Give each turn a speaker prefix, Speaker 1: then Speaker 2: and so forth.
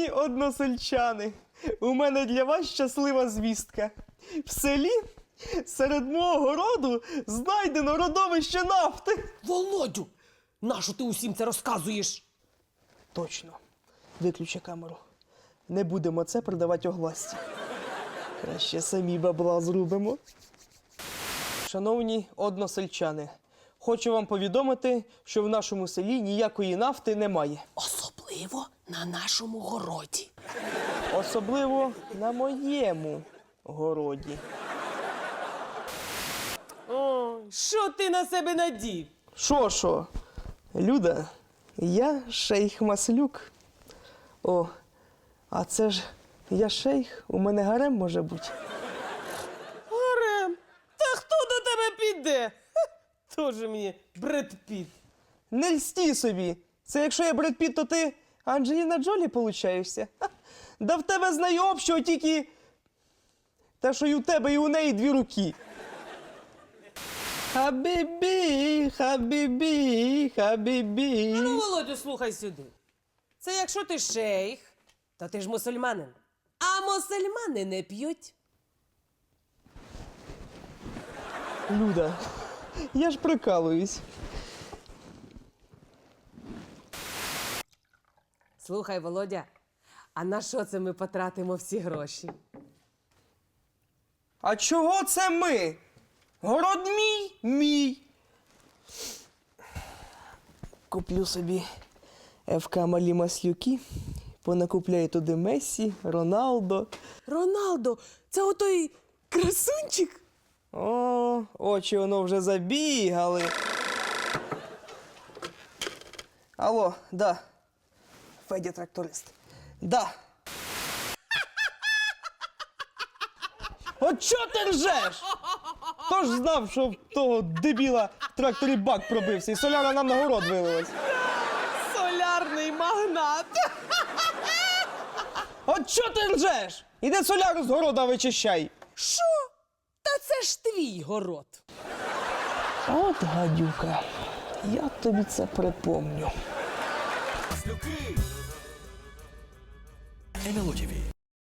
Speaker 1: Шановні односельчани, у мене для вас щаслива звістка. В селі серед мого городу знайдено родовище нафти.
Speaker 2: Володю, нащо ти усім це розказуєш?
Speaker 1: Точно. Виключи камеру. Не будемо це продавати огласці. Краще самі бабла зробимо. Шановні односельчани, хочу вам повідомити, що в нашому селі ніякої нафти немає.
Speaker 2: Особливо на нашому городі.
Speaker 1: Особливо на моєму городі.
Speaker 2: Ой, що ти на себе надів?
Speaker 1: Що? Люда, я шейх Маслюк. О, а це ж я шейх, у мене гарем може бути.
Speaker 2: Гарем, та хто до тебе піде? Тоже мені Бред Піт.
Speaker 1: Не льсті собі. Це якщо я Бред Піт, то ти Анджеліна Джолі получаєшся. Ха. Да в тебе з нею общого тільки те, що і у тебе, і у неї дві руки. Хабібі, хабібі, хабібі.
Speaker 2: Ну, Володю, слухай сюди. Це якщо ти шейх, то ти ж мусульманин. А мусульмани не п'ють.
Speaker 1: Люда, я ж прикалуюсь.
Speaker 2: Слухай, Володя, а на що це ми потратимо всі гроші?
Speaker 1: А чого це ми? Город мій? Мій. Куплю собі ФК Малі Маслюки, понакупляю туди Мессі, Роналдо.
Speaker 2: Роналдо, це отой красунчик?
Speaker 1: О, очі воно вже забігали. Алло, да. Федя тракторист. Да. От чого ти ржеш? Хто ж знав, що в того дебіла в тракторі бак пробився і соляра нам на город вилилась?
Speaker 2: Солярний магнат.
Speaker 1: От чого ти ржеш? Іди соляру з города вичищай.
Speaker 2: Що? Та це ж твій город.
Speaker 1: От гадюка, я тобі це припомню.
Speaker 3: НЛО ТВ.